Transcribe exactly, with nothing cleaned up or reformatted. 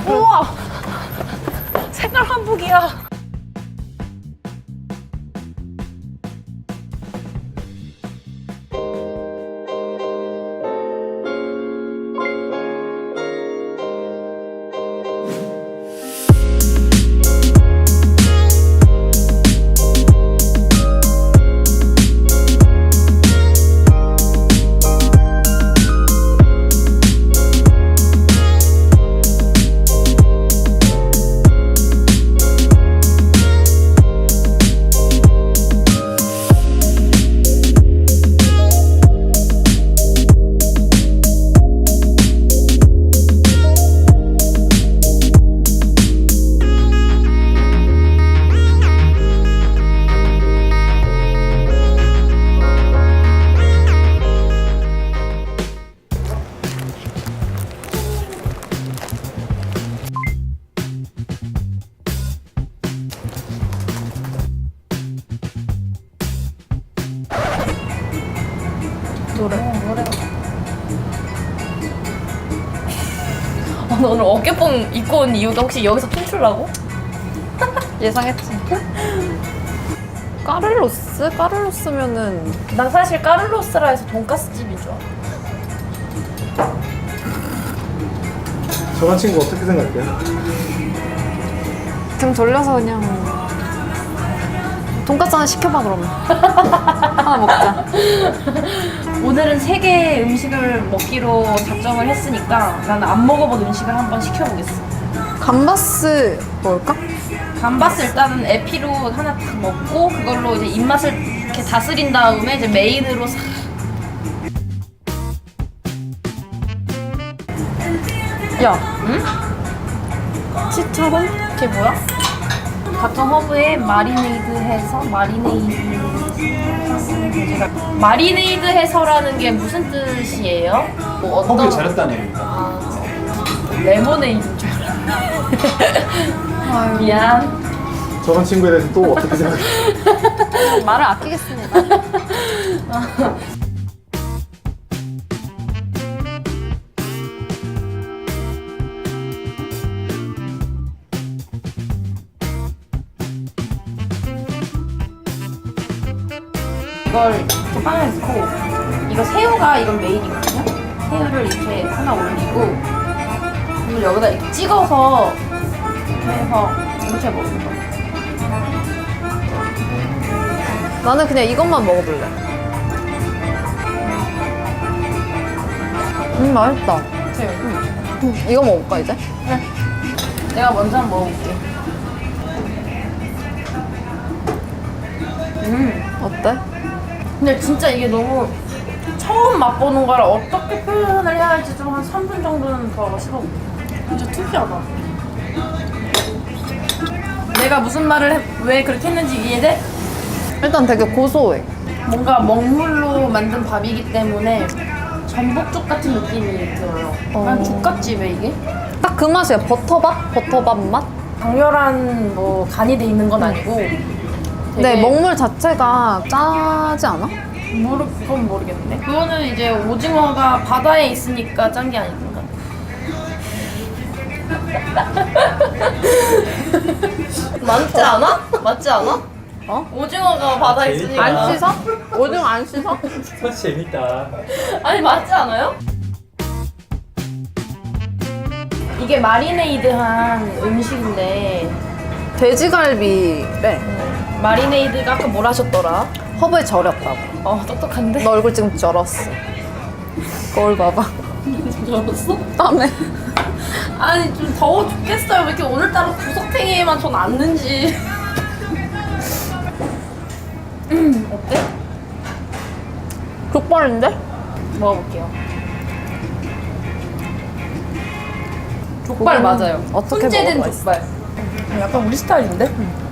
우와! 색깔 한복이야. 노래. 어, 노래. 아, 너 오늘 어깨뽕 입고 온 이유가 혹시 여기서 춤추려고? 예상했지. 까를로스? 까를로스면은 난 사실 까를로스라 해서 돈가스 집인 줄 알아. 저런 친구 어떻게 생각해요? 등 돌려서 그냥 돈까스 하나 시켜봐 그러면. 하나 먹자. 오늘은 세 개의 음식을 먹기로 작정을 했으니까 나는 안 먹어본 음식을 한번 시켜보겠어. 감바스 먹을까? 감바스 일단은 에피로 하나 딱 먹고 그걸로 이제 입맛을 이렇게 다스린 다음에 이제 메인으로 싹. 야, 응? 치타론? 그게 뭐야? 각종 허브에 마리네이드 해서 마리네이드 마리네이드 해서라는 게 무슨 뜻이에요? 뭐 어떤 허브에 잘했다는 얘기입니다. 아, 레모네이드인 줄 알았네. 아유, 미안. 저런 친구에 대해서 또 어떻게 생각해요? 말을 아끼겠습니다. 이걸 이렇게 빵에 넣고 이거 새우가 이건 메인이거든요. 새우를 이렇게 하나 올리고 이걸 여기다 이렇게 찍어서 이렇게 해서 이렇게 먹는 거. 나는 그냥 이것만 먹어볼래. 음, 맛있다. 새우. 음, 이거 먹을까, 이제? 내가 먼저 한번 먹어볼게. 음. 어때? 근데 진짜 이게 너무 처음 맛보는 거라 어떻게 표현을 해야 할지 좀 한 삼 분 정도는 더 씹어볼게. 진짜 특이하다. 내가 무슨 말을 해, 왜 그렇게 했는지 이해돼? 일단 되게 고소해. 뭔가 먹물로 만든 밥이기 때문에 전복죽 같은 느낌이 들어요. 어. 난 죽같지 왜 이게? 딱 그 맛이야. 버터밥? 버터밥 맛? 강렬한 뭐 간이 돼 있는 건 아니고 되게 근데 먹물 자체가 짜지 않아? 모르, 그건 모르겠는데 그거는 이제 오징어가 바다에 있으니까 짠 게 아닌가. 맞지 않아? 맞지 않아? 어? 오징어가 바다에 있으니까 안 씻어? 오징어 안 씻어? 더 재밌다. 아니 맞지 않아요? 이게 마리네이드한 음식인데 돼지갈비래. 마리네이드가 아까 뭘 하셨더라? 허브에 절였다고. 어 똑똑한데? 너 얼굴 지금 절었어. 거울 봐봐. 알았어? 땀에. 아니 좀 더워 죽겠어요. 왜 이렇게 오늘따라 구석탱이에만 전 앉는지. 음 어때? 족발인데? 먹어볼게요. 족발 고기는 맞아요. 어떻게 훈제된 먹어도 족발. 약간 우리 스타일인데?